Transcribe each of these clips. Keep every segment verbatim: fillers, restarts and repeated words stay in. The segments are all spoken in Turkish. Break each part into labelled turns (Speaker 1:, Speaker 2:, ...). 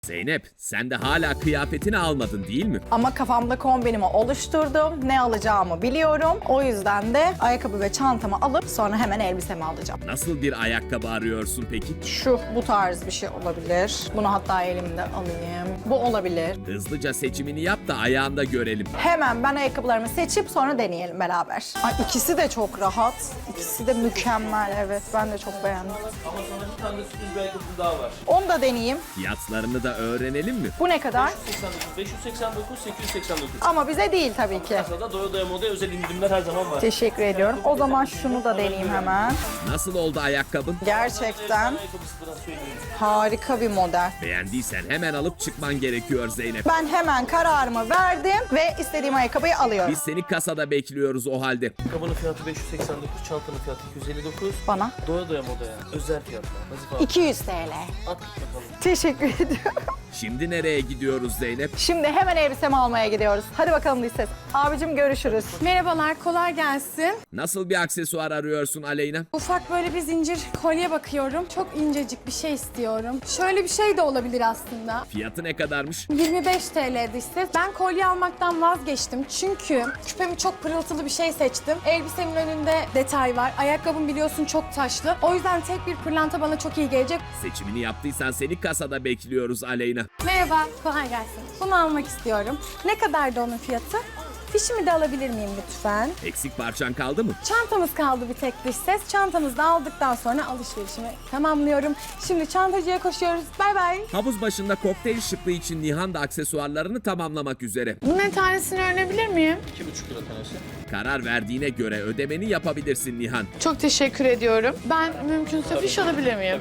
Speaker 1: Zeynep, sen de hala kıyafetini almadın değil mi?
Speaker 2: Ama kafamda kombinimi oluşturdum. Ne alacağımı biliyorum. O yüzden de ayakkabı ve çantamı alıp sonra hemen elbisemi alacağım.
Speaker 1: Nasıl bir ayakkabı arıyorsun peki?
Speaker 2: Şu, bu tarz bir şey olabilir. Bunu hatta elimde alayım. Bu olabilir.
Speaker 1: Hızlıca seçimini yap da ayağında görelim.
Speaker 2: Hemen ben ayakkabılarımı seçip sonra deneyelim beraber. Ay, ikisi de çok rahat. İkisi de mükemmel, evet. Ben de çok beğendim.
Speaker 3: Ama sonra bir tane de sürpriz bir ayakkabı daha var.
Speaker 2: Onu da deneyeyim.
Speaker 1: Fiyatlarını da öğrenelim mi?
Speaker 2: Bu ne kadar?
Speaker 3: beş yüz seksen dokuz, sekiz yüz seksen dokuz.
Speaker 2: Ama bize değil tabii ki.
Speaker 3: Kasada doya doya modaya özel indirimler her zaman var.
Speaker 2: Teşekkür ediyorum. O zaman şunu da deneyeyim hemen.
Speaker 1: Nasıl oldu ayakkabın?
Speaker 2: Gerçekten
Speaker 3: Ayakkabısından söyleyeyim.
Speaker 2: harika bir model.
Speaker 1: Beğendiysen hemen alıp çıkman gerekiyor Zeynep.
Speaker 2: Ben hemen kararımı verdim ve istediğim ayakkabıyı alıyorum.
Speaker 1: Biz seni kasada bekliyoruz o halde.
Speaker 3: Ayakkabının fiyatı beş yüz seksen dokuz, çantanın fiyatı iki yüz elli dokuz.
Speaker 2: Bana
Speaker 3: Doya doya modaya özel fiyatlar. Nazif abi
Speaker 2: iki yüz T L.
Speaker 3: at git bakalım.
Speaker 2: Teşekkür ediyorum.
Speaker 1: Şimdi nereye gidiyoruz Zeynep?
Speaker 2: Şimdi hemen elbisemi almaya gidiyoruz. Hadi bakalım dış ses. Abicim görüşürüz.
Speaker 4: Merhabalar, kolay gelsin.
Speaker 1: Nasıl bir aksesuar arıyorsun Aleyna?
Speaker 4: Ufak böyle bir zincir kolye bakıyorum. Çok incecik bir şey istiyorum. Şöyle bir şey de olabilir aslında.
Speaker 1: Fiyatı ne kadarmış?
Speaker 4: yirmi beş T L'di işte. Ben kolye almaktan vazgeçtim. Çünkü küpemi çok pırıltılı bir şey seçtim. Elbisemin önünde detay var. Ayakkabım biliyorsun çok taşlı. O yüzden tek bir pırlanta bana çok iyi gelecek.
Speaker 1: Seçimini yaptıysan seni kasada bekliyoruz Aleyna.
Speaker 4: Merhaba, kolay gelsin. Bunu almak istiyorum. Ne kadardı onun fiyatı? Fişimi de alabilir miyim lütfen?
Speaker 1: Eksik parçan kaldı mı?
Speaker 4: Çantamız kaldı bir tek dış ses. Çantamızı da aldıktan sonra alışverişimi tamamlıyorum. Şimdi çantacıya koşuyoruz. Bay bay.
Speaker 1: Havuz başında kokteyl şıklığı için Nihan da aksesuarlarını tamamlamak üzere.
Speaker 4: Bunun tanesini öğrenebilir miyim?
Speaker 3: iki buçuk lira tanesi.
Speaker 1: Karar verdiğine göre ödemeni yapabilirsin Nihan.
Speaker 5: Çok teşekkür ediyorum. Ben mümkünse fiş alabilir miyim?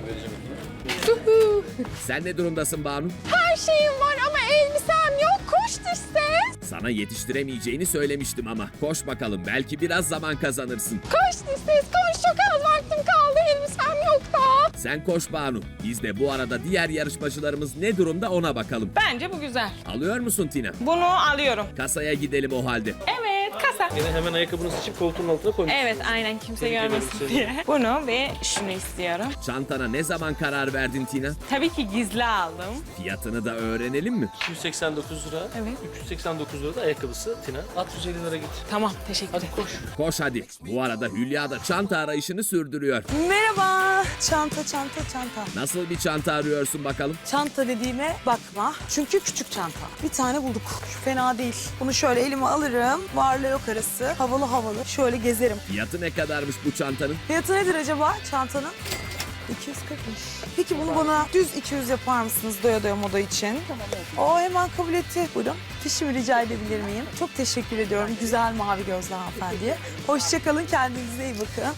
Speaker 1: Sen ne durumdasın Banu?
Speaker 4: Her şeyim var ama elbisem yok. Koş dış ses.
Speaker 1: Sana yetiştiremeyeceğini söylemiştim ama. Koş bakalım, belki biraz zaman kazanırsın.
Speaker 4: Koş dış ses. Koş, çok az vaktim kaldı. Elbisem yok da.
Speaker 1: Sen koş Banu. Biz de bu arada diğer yarışmacılarımız ne durumda ona bakalım.
Speaker 6: Bence bu güzel.
Speaker 1: Alıyor musun Tina?
Speaker 6: Bunu alıyorum.
Speaker 1: Kasaya gidelim o halde.
Speaker 6: Evet, kasa.
Speaker 3: Yine hemen ayakkabını seçip koltuğun altına koymuş.
Speaker 6: Evet, aynen kimse
Speaker 3: Tebrik ederim
Speaker 6: görmesin
Speaker 3: seni.
Speaker 6: diye. Bunu ve şunu istiyorum.
Speaker 1: Çantana ne zaman karar verdin Tina?
Speaker 6: Tabii ki gizli aldım.
Speaker 1: Fiyatını da öğrenelim mi?
Speaker 3: iki yüz seksen dokuz lira.
Speaker 6: Evet.
Speaker 3: üç yüz seksen dokuz lira da ayakkabısı Tina. At yüz elli lira git.
Speaker 6: Tamam, teşekkür
Speaker 3: Hadi
Speaker 6: ederim.
Speaker 3: koş.
Speaker 1: Koş hadi. Bu arada Hülya da çanta arayışını sürdürüyor.
Speaker 7: Merhaba. Çanta, çanta, çanta.
Speaker 1: Nasıl bir çanta arıyorsun bakalım?
Speaker 7: Çanta dediğime bakma. Çünkü küçük çanta. Bir tane bulduk. Şu fena değil. Bunu şöyle elime alırım. Varla yok arası. Havalı havalı. Şöyle gezerim.
Speaker 1: Fiyatı ne kadarmış bu çantanın?
Speaker 7: Fiyatı nedir acaba çantanın? iki yüz kırkmış. Peki bunu bana düz iki yüz yapar mısınız doya doya moda için? Tamam. O hemen kabul etti. Buyurun. Fişimi rica edebilir miyim? Çok teşekkür ediyorum. Güzel mavi gözlü hanımefendiye. Hoşçakalın. Kendinize iyi bakın.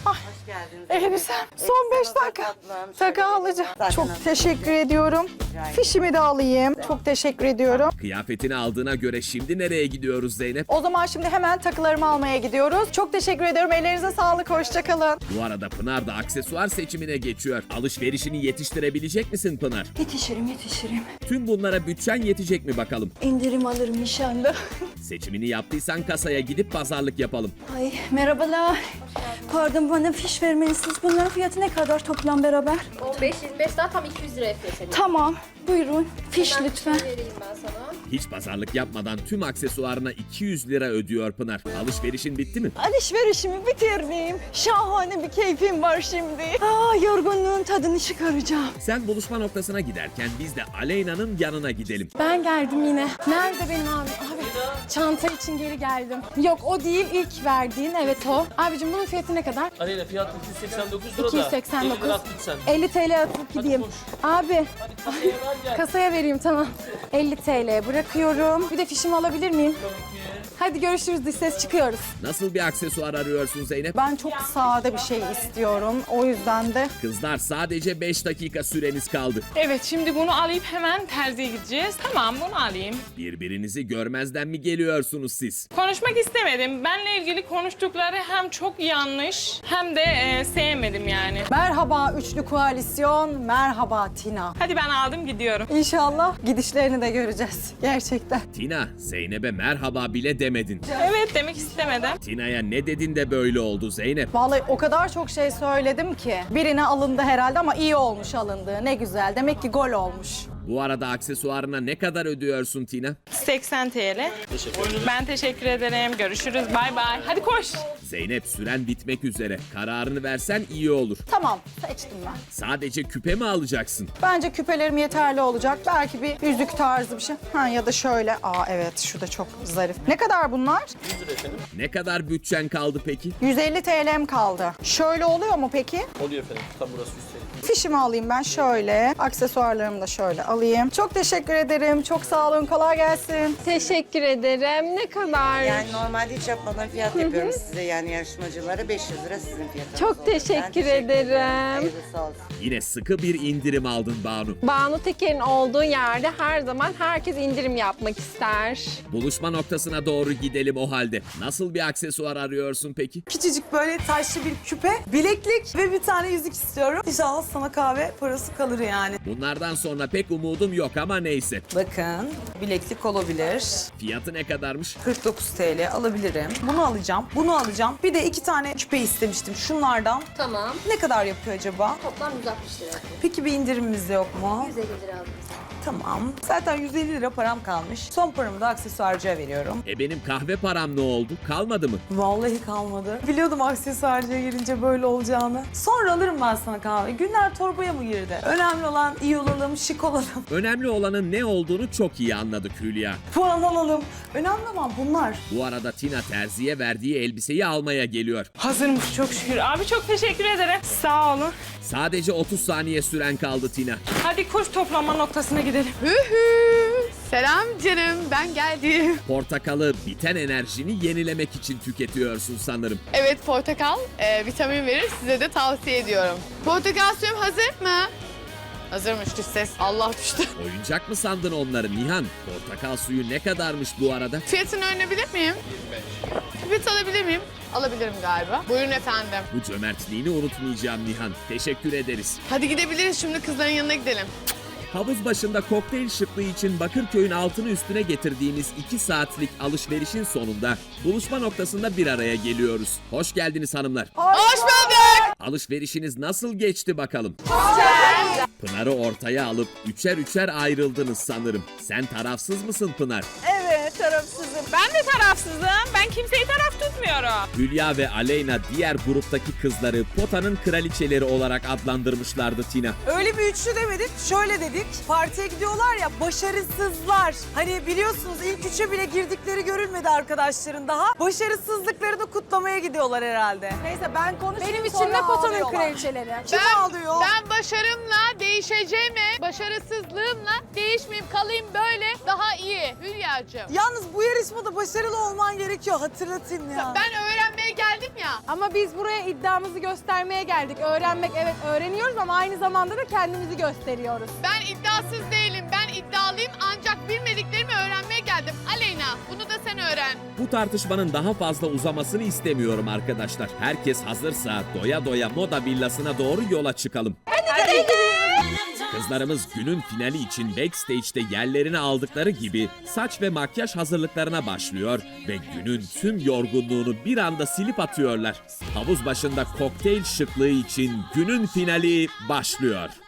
Speaker 2: Elbisem son beş dakika. Taka alacağım. Çok teşekkür ediyorum. Fişimi de alayım. Çok teşekkür ediyorum.
Speaker 1: Kıyafetini aldığına göre şimdi nereye gidiyoruz Zeynep?
Speaker 2: O zaman şimdi hemen takılarımı almaya gidiyoruz. Çok teşekkür ediyorum. Ellerinize sağlık. Hoşçakalın.
Speaker 1: Bu arada Pınar da aksesuar seçimine geçiyor. Alışverişini yetiştirebilecek misin Pınar?
Speaker 8: Yetişirim yetişirim.
Speaker 1: Tüm bunlara bütçen yetecek mi bakalım?
Speaker 8: İndirim alırım inşallah.
Speaker 1: Seçimini yaptıysan kasaya gidip pazarlık yapalım.
Speaker 8: Ay merhabalar. Pardon bana fiş vermelisiniz. Bunların fiyatı ne kadar toplam beraber?
Speaker 9: O beş yüz beş daha tam iki yüz liraya fiyat ediyor.
Speaker 8: Tamam. Buyurun. Fiş
Speaker 9: Hemen
Speaker 8: lütfen.
Speaker 9: fişini vereyim ben sana.
Speaker 1: Hiç pazarlık yapmadan tüm aksesuarına iki yüz lira ödüyor Pınar. Alışverişin bitti mi?
Speaker 8: Alışverişimi bitirdim. Şahane bir keyfim var şimdi. Aa, yorgunluğun tadını çıkaracağım.
Speaker 1: Sen buluşma noktasına giderken biz de Aleyna'nın yanına gidelim.
Speaker 4: Ben geldim yine. Nerede benim abi? Abi çanta için geri geldim. Yok o değil, ilk verdiğin, evet o. Abicim bunun fiyatı ne kadar?
Speaker 3: Aleyna fiyatı iki yüz seksen dokuz lira da.
Speaker 4: iki yüz seksen dokuz.
Speaker 3: elli lira at git sen.
Speaker 4: elli T L atıp gideyim.
Speaker 3: koş.
Speaker 4: Abi
Speaker 3: Hadi kasaya ver gel.
Speaker 4: kasaya vereyim, tamam. elli T L bırakıyorum. Bir de fişimi alabilir miyim? Hadi görüşürüz, dış ses, çıkıyoruz.
Speaker 1: Nasıl bir aksesuar arıyorsun Zeynep?
Speaker 2: Ben çok sade bir şey istiyorum. O yüzden de
Speaker 1: Kızlar sadece beş dakika süreniz kaldı.
Speaker 6: Evet, şimdi bunu alıp hemen terziye gideceğiz. Tamam, bunu alayım.
Speaker 1: Birbirinizi görmezden mi geliyorsunuz siz?
Speaker 6: Konuşmak istemedim. Benle ilgili konuştukları hem çok yanlış hem de e, sevmedim yani.
Speaker 2: merhaba üçlü koalisyon, merhaba Tina.
Speaker 6: Hadi ben aldım, gidiyorum.
Speaker 2: İnşallah gidişlerini de göreceğiz. Gerçekten.
Speaker 1: Tina, Zeynep'e merhaba bile demedin.
Speaker 6: Evet, demek istemedim.
Speaker 1: Tina'ya ne dedin de böyle oldu Zeynep?
Speaker 2: Vallahi o kadar çok şey söyledim ki. Birine alındı herhalde ama iyi olmuş alındığı. Ne güzel. Demek ki gol olmuş.
Speaker 1: Bu arada aksesuarına ne kadar ödüyorsun Tina?
Speaker 6: seksen TL. Ben teşekkür ederim. Görüşürüz. Bay bay. Hadi koş.
Speaker 1: Zeynep, süren bitmek üzere. Kararını versen iyi olur.
Speaker 2: Tamam, seçtim ben.
Speaker 1: Sadece küpe mi alacaksın?
Speaker 2: Bence küpelerim yeterli olacak. Belki bir yüzük tarzı bir şey. Ha ya da şöyle. Aa evet, şu da çok zarif. Ne kadar bunlar?
Speaker 1: Ne kadar bütçen kaldı peki?
Speaker 2: yüz elli T L'm kaldı. Şöyle oluyor mu peki?
Speaker 3: Oluyor efendim. Tam burası üstelik.
Speaker 2: Fişimi alayım ben şöyle. Aksesuarlarımı da şöyle alayım. Çok teşekkür ederim. Çok sağ olun. Kolay gelsin.
Speaker 8: Teşekkür ederim. Ne kadar?
Speaker 10: Yani normalde hiç yapmadan fiyat yapıyorum size, yani yarışmacılara beş yüz lira sizin fiyatınız.
Speaker 8: Çok
Speaker 10: oluyor. Ben
Speaker 8: teşekkür ederim.
Speaker 10: Hayırlısı olsun.
Speaker 1: Yine sıkı bir indirim aldın Banu.
Speaker 8: Banu Teker'in olduğu yerde her zaman herkes indirim yapmak ister.
Speaker 1: Buluşma noktasına doğru gidelim o halde. Nasıl bir aksesuar arıyorsun peki?
Speaker 7: Küçücük böyle taşlı bir küpe, bileklik ve bir tane yüzük istiyorum. İnşallah sana kahve parası kalır yani.
Speaker 1: Bunlardan sonra pek umudum yok ama neyse.
Speaker 7: Bakın, bileklik olabilir.
Speaker 1: Fiyatı ne kadarmış?
Speaker 7: kırk dokuz TL alabilirim. Bunu alacağım, bunu alacağım. Bir de iki tane küpe istemiştim şunlardan.
Speaker 9: Tamam.
Speaker 7: Ne kadar yapıyor acaba?
Speaker 9: Toplam yüz altmış lira yapıyor.
Speaker 7: Peki bir indirimimiz de yok mu?
Speaker 9: yüz elli lira aldım.
Speaker 7: Tamam. Zaten yüz elli lira param kalmış. Son paramı da aksesuarcıya veriyorum.
Speaker 1: E benim kahve param ne oldu? Kalmadı mı?
Speaker 7: Vallahi kalmadı. Biliyordum aksesuarcıya girince böyle olacağını. Sonra alırım ben sana kahve. Günler torbaya mı girdi? Önemli olan iyi olalım, şık olalım.
Speaker 1: Önemli olanın ne olduğunu çok iyi anladık Hülya.
Speaker 7: Puan alalım. Önemli olan bunlar.
Speaker 1: Bu arada Tina terziye verdiği elbiseyi almaya geliyor.
Speaker 6: Hazırmış çok şükür. Abi çok teşekkür ederim. Sağ olun.
Speaker 1: Sadece otuz saniye süren kaldı Tina.
Speaker 6: Hadi koş, toplama noktasına gidelim.
Speaker 5: Hühü. Selam canım, ben geldim.
Speaker 1: Portakalı biten enerjini yenilemek için tüketiyorsun sanırım.
Speaker 5: Evet, portakal e, vitamin verir, size de tavsiye ediyorum. Portakal suyum hazır mı? Hazırmış, düş ses. Allah düştü.
Speaker 1: Oyuncak mı sandın onları Nihan? Portakal suyu ne kadarmış bu arada?
Speaker 5: Fiyatını öğrenebilir miyim? Fiyat alabilir miyim? Alabilirim galiba. Buyurun efendim.
Speaker 1: Bu cömertliğini unutmayacağım Nihan. Teşekkür ederiz.
Speaker 5: Hadi gidebiliriz, şimdi kızların yanına gidelim.
Speaker 1: Havuz başında kokteyl şıklığı için Bakırköy'ün altını üstüne getirdiğimiz iki saatlik alışverişin sonunda buluşma noktasında bir araya geliyoruz. Hoş geldiniz hanımlar.
Speaker 5: Hoş bulduk.
Speaker 1: Alışverişiniz nasıl geçti bakalım? Pınar'ı ortaya alıp üçer üçer ayrıldınız sanırım. Sen tarafsız mısın Pınar?
Speaker 2: Evet, tarafsızım.
Speaker 6: Ben de tarafsızım. Ben kimseyi taraf tutmuyorum.
Speaker 1: Hülya ve Aleyna diğer gruptaki kızları potanın kraliçeleri olarak adlandırmışlardı Tina.
Speaker 7: Öyle bir üçlü demedik, şöyle dedik. Partiye gidiyorlar ya, başarısızlar. Hani biliyorsunuz ilk üçe bile girdikleri görülmedi arkadaşların daha. Başarısızlıklarını kutlamaya gidiyorlar herhalde.
Speaker 2: Neyse ben konuşayım.
Speaker 4: Benim için
Speaker 2: sonra
Speaker 4: de potanın
Speaker 2: ağlıyorlar.
Speaker 4: kraliçeleri.
Speaker 7: Kim ağlıyor?
Speaker 5: Ben başarımla değişeceğime, başarısızlığımla değişmeyeyim, kalayım böyle daha iyi Hülya'cığım.
Speaker 7: Yalnız bu yarışmada başarılı olman gerekiyor, hatırlatayım ya.
Speaker 5: Ben öğrenmeye geldim ya.
Speaker 4: Ama biz buraya iddiamızı göstermeye geldik. Öğrenmek, evet öğreniyoruz ama aynı zamanda da kendimizi gösteriyoruz.
Speaker 5: Ben iddiasız değilim. Ben iddialıyım ancak bilmediklerimi öğrenmeye geldim. Aleyna, bunu da sen öğren.
Speaker 1: Bu tartışmanın daha fazla uzamasını istemiyorum arkadaşlar. Herkes hazırsa doya doya moda villasına doğru yola çıkalım. Kızlarımız günün finali için backstage'de yerlerini aldıkları gibi saç ve makyaj hazırlıklarına başlıyor ve günün tüm yorgunluğunu bir anda silip atıyorlar. Havuz başında kokteyl şıklığı için günün finali başlıyor.